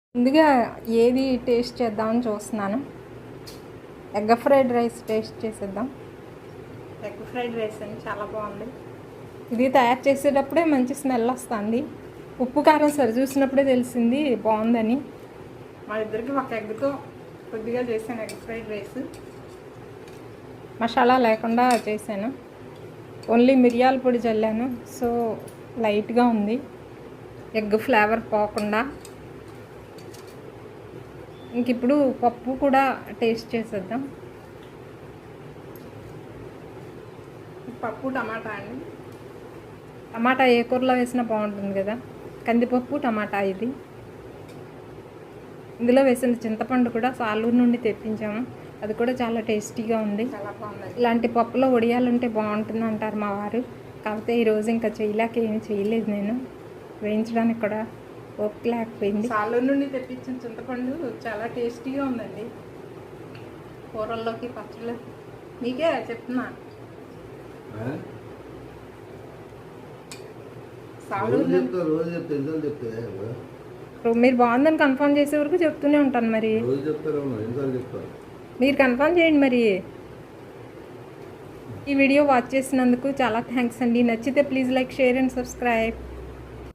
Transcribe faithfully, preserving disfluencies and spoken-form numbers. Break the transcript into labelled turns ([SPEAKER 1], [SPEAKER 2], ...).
[SPEAKER 1] ముందుగా ఏది టేస్ట్ చేద్దామని చూస్తున్నాను. ఎగ్ ఫ్రైడ్ రైస్ టేస్ట్ చేసేద్దాం. ఎగ్ ఫ్రైడ్ రైస్ అని చాలా బాగుంది. ఇది తయారు చేసేటప్పుడే మంచి స్మెల్ వస్తుంది. ఉప్పు కారం సరి చూసినప్పుడే తెలిసింది బాగుందని. మా ఇద్దరికి ఒక ఎగ్తో కొద్దిగా చేశాను ఎగ్ ఫ్రైడ్ రైస్. మసాలా లేకుండా చేశాను, ఓన్లీ మిరియాల పొడి చల్లాను. సో లైట్గా ఉంది, ఎగ్ ఫ్లేవర్ పోకుండా. ఇంక ఇప్పుడు పప్పు కూడా టేస్ట్ చేసేద్దాం. పప్పు టమాటా అండి. టమాటా ఏ కూరలో వేసినా బాగుంటుంది కదా. కందిపప్పు టమాటా ఇది. ఇందులో వేసిన చింతపండు కూడా సాలూరు నుండి తెప్పించాము, అది కూడా చాలా టేస్టీగా ఉంది. చాలా బాగుంది. ఇలాంటి పప్పులో వడియాలుంటే బాగుంటుంది అంటారు మా వారు. కాకపోతే ఈరోజు ఇంకా చేయలేక ఏమి చేయలేదు, నేను వేయించడానికి కూడా ఓపిక లేకపోయింది. సాలూరు నుండి తెప్పించిన చింతపండు చాలా టేస్టీగా ఉందండి. కూరల్లోకి పచ్చళ్ళు మీకే చెప్తున్నా. సాలూరు మీరు బాగుందని కన్ఫర్మ్ చేసే వరకు చెప్తూనే ఉంటాను. మరి మీరు కన్ఫర్మ్ చేయండి. మరి ఈ వీడియో వాచ్ చేసినందుకు చాలా థ్యాంక్స్ అండి. నచ్చితే please like, share and subscribe.